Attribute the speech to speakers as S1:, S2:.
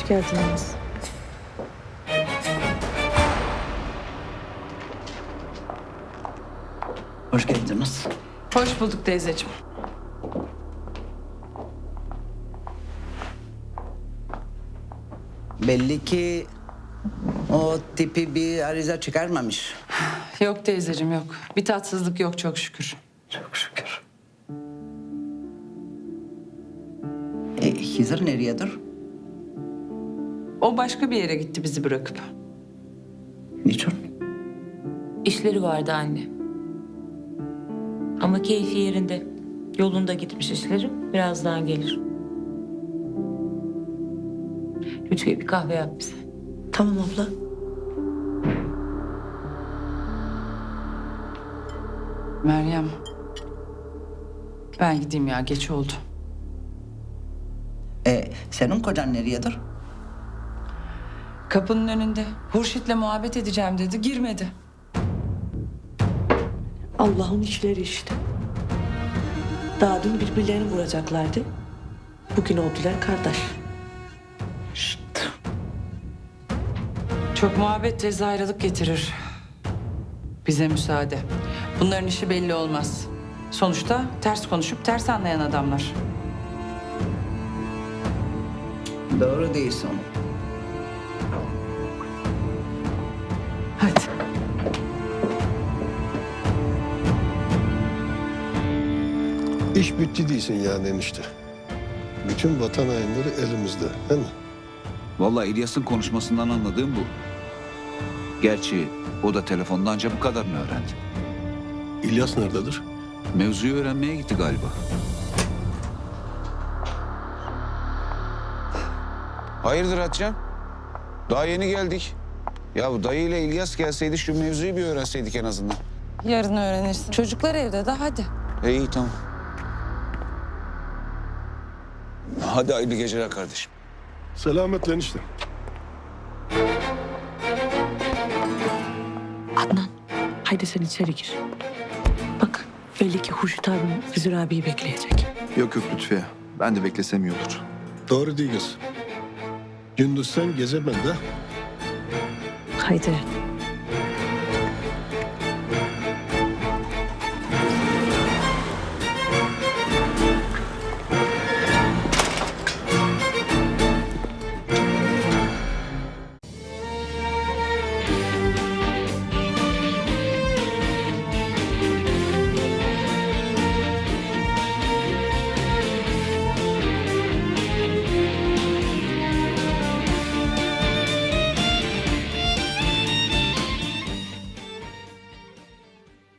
S1: Hoş geldiniz.
S2: Hoş geldiniz.
S3: Hoş bulduk teyzeciğim.
S2: Belli ki o tipi bir arıza çıkarmamış.
S3: Yok teyzeciğim yok. Bir tatsızlık yok çok şükür.
S2: Çok şükür. Hizır nereyedir?
S3: O başka bir yere gitti bizi bırakıp.
S2: Niçin?
S4: İşleri vardı anne. Ama keyfi yerinde. Yolunda gitmiş işleri. Birazdan gelir. Lütfiye bir kahve yap bize.
S1: Tamam abla.
S3: Meryem. Ben gideyim ya geç oldu.
S2: Senin kocan nereyedir?
S3: Kapının önünde. Hurşit'le muhabbet edeceğim dedi. Girmedi.
S1: Allah'ın işleri işte. Daha dün birbirlerini vuracaklardı. Bugün oldular kardeş.
S3: Çok muhabbet tez ayrılık getirir. Bize müsaade. Bunların işi belli olmaz. Sonuçta ters konuşup ters anlayan adamlar.
S2: Doğru değilsin.
S3: Hadi.
S5: İş bitti değilsin yani enişte. Bütün vatan hainleri elimizde, değil mi?
S6: Vallahi İlyas'ın konuşmasından anladığım bu. Gerçi o da telefonda ancak bu kadarını öğrendi.
S5: İlyas nerededir?
S6: Mevzuyu öğrenmeye gitti galiba. Hayırdır Hatice'm? Daha yeni geldik. Ya bu dayı ile İlyas gelseydi şu mevzuyu bir öğrenseydik en azından.
S3: Yarın öğrenirsin. Çocuklar evde de hadi.
S6: İyi tamam. Hadi hayırlı geceler kardeşim.
S5: Selametle enişte.
S1: Adnan, haydi sen içeri gir. Bak, belli ki Hurşit abim Hızır abiyi bekleyecek.
S7: Yok Lütfiye. Ben de beklesem iyi olur.
S5: Doğru değil kız. Gündüz sen gece ben de.
S1: Haydi.